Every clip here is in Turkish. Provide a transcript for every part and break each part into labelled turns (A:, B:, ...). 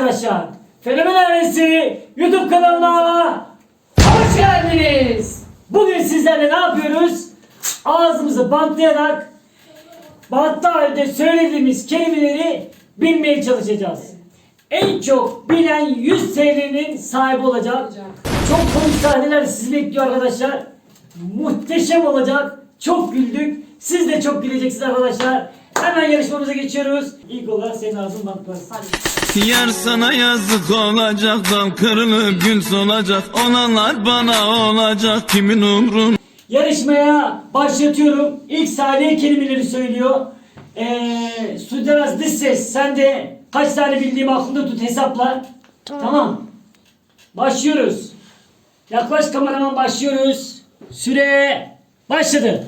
A: arkadaşlar. Fenomen Ailesi YouTube kanalına hoş geldiniz. Bugün sizlerle ne yapıyoruz? Ağzımızı bantlayarak bantlı halde söylediğimiz kelimeleri bilmeye çalışacağız. En çok bilen 100 TL'nin sahibi olacak. Çok komik sahneler sizi bekliyor arkadaşlar. Muhteşem olacak. Çok güldük. Siz de çok güleceksiniz arkadaşlar. Hemen yarışmamıza geçiyoruz. İlk olarak senin ağzın bantlarsın.
B: Yar sana yazık olacak, dal kırılıp gül solacak, olanlar bana olacak, kimin umrun?
A: Yarışmaya başlatıyorum. İlk saniye kelimeleri söylüyor. Suderaz dış ses. Sen de kaç tane bildiğimi aklında tut, hesapla. Tamam. Başlıyoruz. Yaklaş kameraman, başlıyoruz. Süre başladı.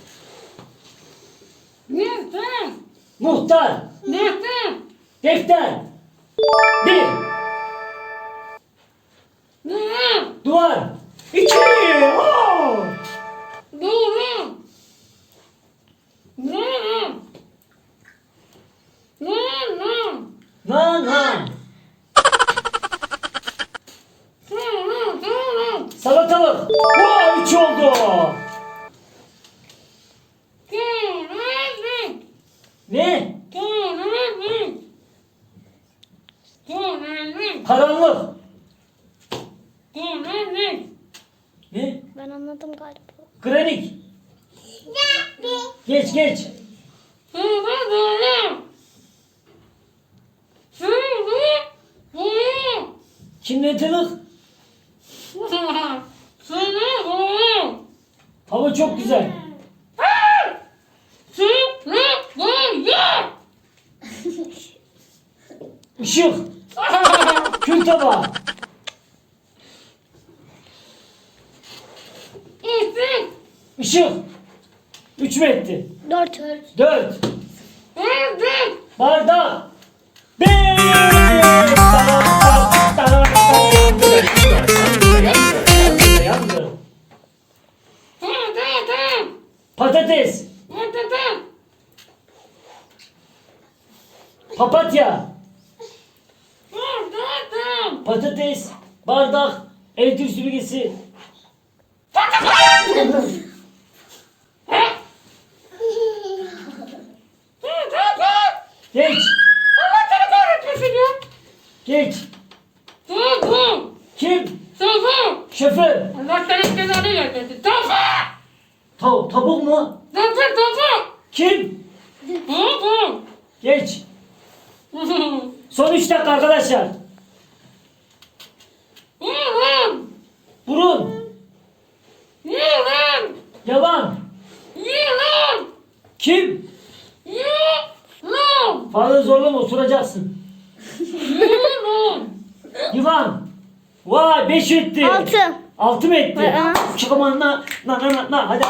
A: Muhtar. Defter. Bir. Duvar. İki. Oo! Nana. Salatalık. Oo, üç oldu. Ne? Karanlık. Ne?
C: Ben anladım galiba.
A: Granit. Geç geç. Kimletılık. Hava çok güzel. Işık. Kül tabağı. Işık. 3 mü etti?
C: 4.
A: 4. Bardak. 5. Patates. Papatya. Patates. Bardak. Elektrik süpürgesi. Geç. Geç. Kim? Şoför. Tavuk mu? Kim? Geç. Son 3 dakika arkadaşlar. Burun. Yalan. Kim? Fazla zorlama, osuracaksın. Yılan. Vay, 5 etti.
C: 6.
A: 6 mı etti? Çık aman na. Hadi.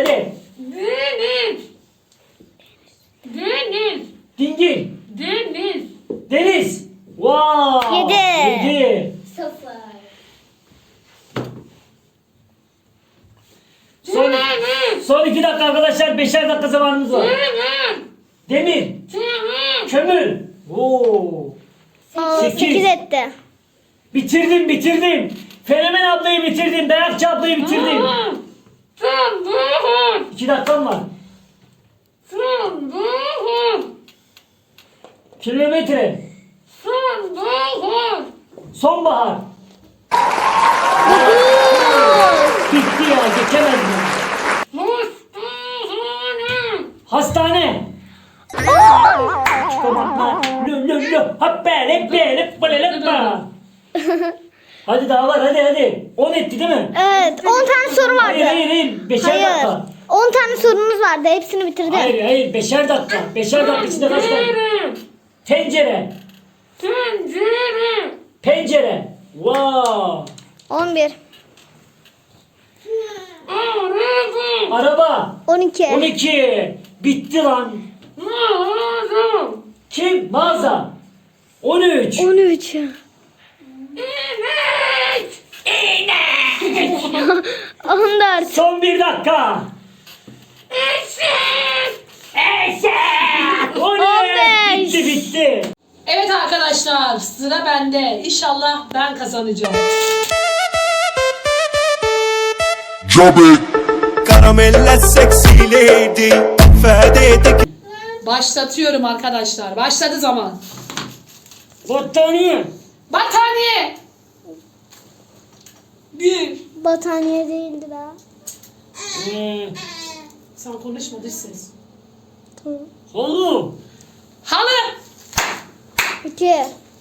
A: Dingil. Deniz. Vay. 7.
C: 0.
A: Son 2 dakika arkadaşlar. 5'er dakika zamanımız var. Demir. Kömür. Oo.
C: 8 etti.
A: Bitirdim. Fenomen ablayı bitirdim. Dayakçı ablayı bitirdim. 2 dakikam var. Kilometre. Sonbahar. Bitti ya, geçemezdim. Hastane. Çıkamakla. Hadi daha var, hadi. 10 etti değil mi?
C: Evet, 10 tane soru vardı.
A: Hayır. 5'er dakika.
C: 10 tane sorunuz vardı. Hepsini bitirdim.
A: Hayır. 5'er dakika. 5'er dakika içinde kaç tane? Tencere. Pencere. Wow.
C: 11.
A: Araba.
C: 12.
A: 12. Bitti lan. Kim? Mağaza. 13.
C: 13. 14.
A: Son 1 dakika. Eşek. 15. Bitti.
D: Evet arkadaşlar, sıra bende. İnşallah ben kazanacağım.
E: Karamelle sexy lady فاديتك
D: Başlatıyorum arkadaşlar. Başladı zaman.
A: Battaniye.
D: Battaniye. Bir.
C: Battaniye değildir ha.
D: Sen konuşma, dış ses.
A: Halı.
D: Halı.
C: 2.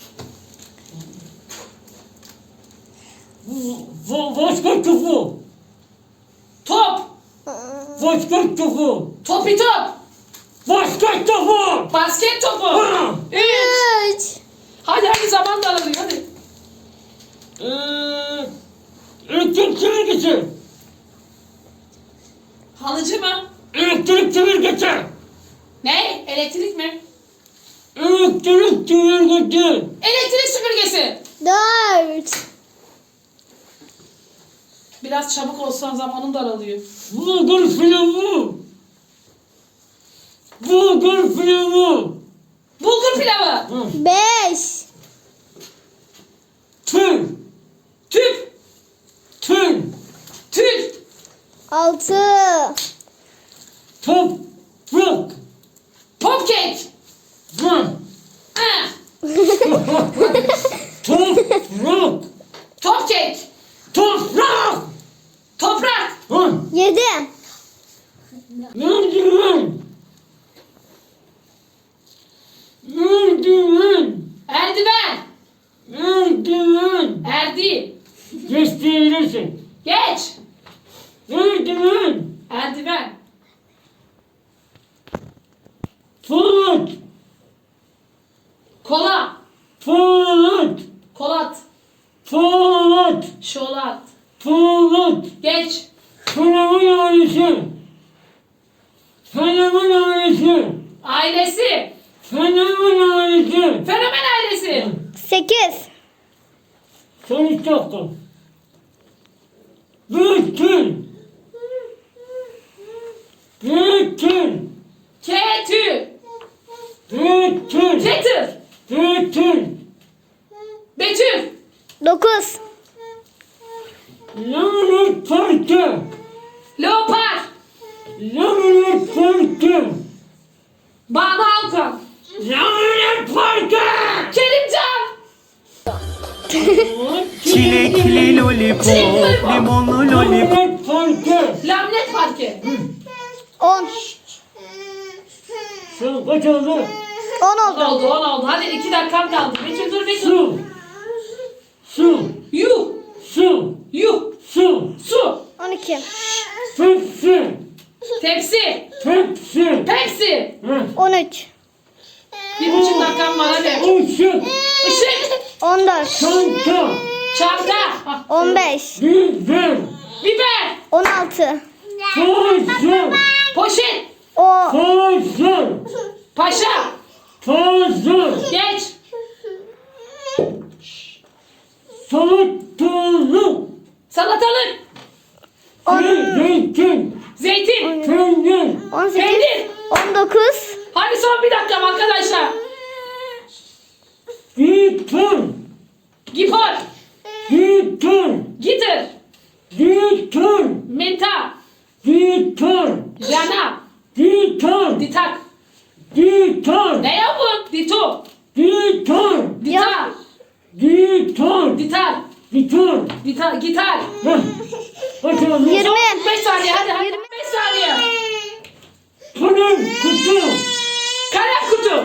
A: Başka topu.
D: Top.
A: Başka topu.
D: Topi top.
A: Başka topu.
D: Basket topu.
A: Ha.
D: 3.
C: 3.
D: Hadi zaman daralıyor hadi.
A: Elektrik çevirgesi.
D: Halıcı mı?
A: Elektrik çevirgesi.
D: Ne? Elektrik mi?
A: Elektrik çevirgesi.
D: Elektrik süpürgesi.
C: 4.
D: Biraz çabuk olsan zamanın daralıyor.
A: Bulgur pilavı. Bulgur pilavı.
D: Bulgur pilavı.
C: 5.
A: Tül.
D: Tüp.
A: Tül.
D: Tül.
C: 6.
A: Toprak.
D: Popkek.
A: Lan.
D: Ha.
A: Toprak.
D: Topkek.
A: Toprak.
D: Toprak.
A: Lan.
C: 7.
A: Merdiven. Merdiven.
D: Erdiven.
A: Merdiven.
D: Erdi.
A: Gösterirsin.
D: Geç.
A: Merdiven.
D: Erdiven.
A: Polat.
D: Kola.
A: Polat.
D: Kolat.
A: Polat.
D: Şolat.
A: Polat.
D: Geç.
A: Fenomen ailesi. Fenomen ailesi.
D: Ailesi.
A: Fenomen ailesi.
D: Fenomen ailesi.
C: 8.
A: Son 3 dakika. Bütün. Bütün.
D: Ketü.
A: Bütün.
D: Getir.
A: Bütün.
D: Betül.
C: 9.
A: Lanet parkı.
D: Leopar.
A: Lanet parkı.
D: Banu Alkan.
A: Lanet parkı.
D: Kerimcan.
E: Çilekli lollipop limonlu lollipop
A: Lanet parkı.
D: Lamnet Parke.
C: 10.
A: Sen kaç oldu?
C: 10
D: 10
C: oldu.
D: oldu 10 oldu. Hadi 2 dakikan kaldı. Betül dur Betül.
A: Su. Su.
D: Yuh.
A: Su.
D: Yuh.
A: Su.
D: Su.
C: 12.
A: Pepsi.
D: Tepsi.
A: Pepsi.
D: Pepsi.
C: 13.
D: 1,5 dakikan var hadi.
A: Işık.
D: Işık.
C: 14.
A: Çanta.
D: Çanta. Ah,
C: 15.
A: Biber.
D: Biber.
C: 16.
A: Tozlu.
D: Poşet.
C: O.
A: Tozlu.
D: Paşa.
A: Tozlu.
D: Geç.
A: Salatalık.
D: Salatalık.
A: Zeytin.
D: Zeytin.
A: Peynir.
C: 18.
D: Peynir.
C: 19.
D: Hadi son bir dakika arkadaşlar.
A: Gitar.
D: Gipor.
A: Gitar.
D: Gitar.
A: Gitar.
D: Menta.
A: Gitar.
D: Jana.
A: Gitar.
D: Ditak.
A: Gitar.
D: Ne ya bu? Dito.
A: Gitar.
D: Ditar.
A: Gitar.
D: Ditar.
A: Gitar.
D: Gitar. Gitar.
A: Heh. Kaç oldu?
C: 20.
D: 5 saniye hadi hadi. 5 saniye.
A: Kalem kutu.
D: Kalem kutu.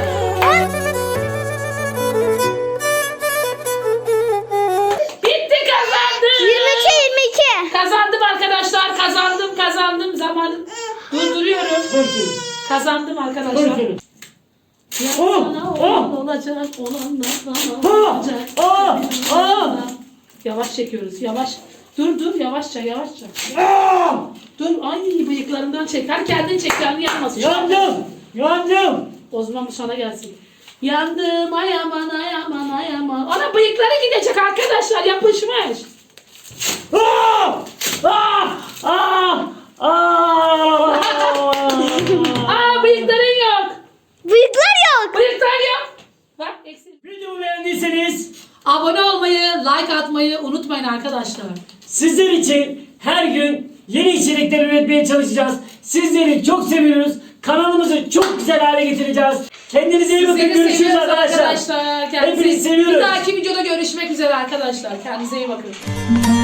D: Bitti kazandım.
C: 22. 22.
D: Kazandım arkadaşlar. Kazandım. Zamanım. Durduruyorum.
A: Bakın.
D: Kazandım arkadaşlar.
A: Bakın.
D: Sana
A: Oh,
D: olan
A: oh.
D: olacak, olanlar
A: Ha,
D: bana olacak.
A: ha.
D: Yavaş çekiyoruz, yavaş. Dur, yavaşça.
A: Aa!
D: Dur, ay bıyıklarından çek. Her kendin çek, kendi yanmasın.
A: Yandım. Yandım.
D: O zaman bu sana gelsin. Yandım, ay aman. Ana bıyıkları gidecek arkadaşlar, yapışmış.
A: Aa! Aa! Aa! Aa!
D: Aa, bıyıkların yok.
C: Bıyıklar yok.
D: Bıyıklar yok. Bak,
A: beğendiyseniz
D: Abone olmayı, like atmayı unutmayın arkadaşlar.
A: sizler için her gün yeni içerikler üretmeye çalışacağız. Sizleri çok seviyoruz. Kanalımızı çok güzel hale getireceğiz. Kendinize iyi bakın.
D: Seni
A: Görüşürüz
D: seviyoruz
A: arkadaşlar.
D: arkadaşlar. Kendinize-
A: Hepinizi seviyoruz.
D: Bir dahaki videoda görüşmek üzere arkadaşlar. Kendinize iyi bakın.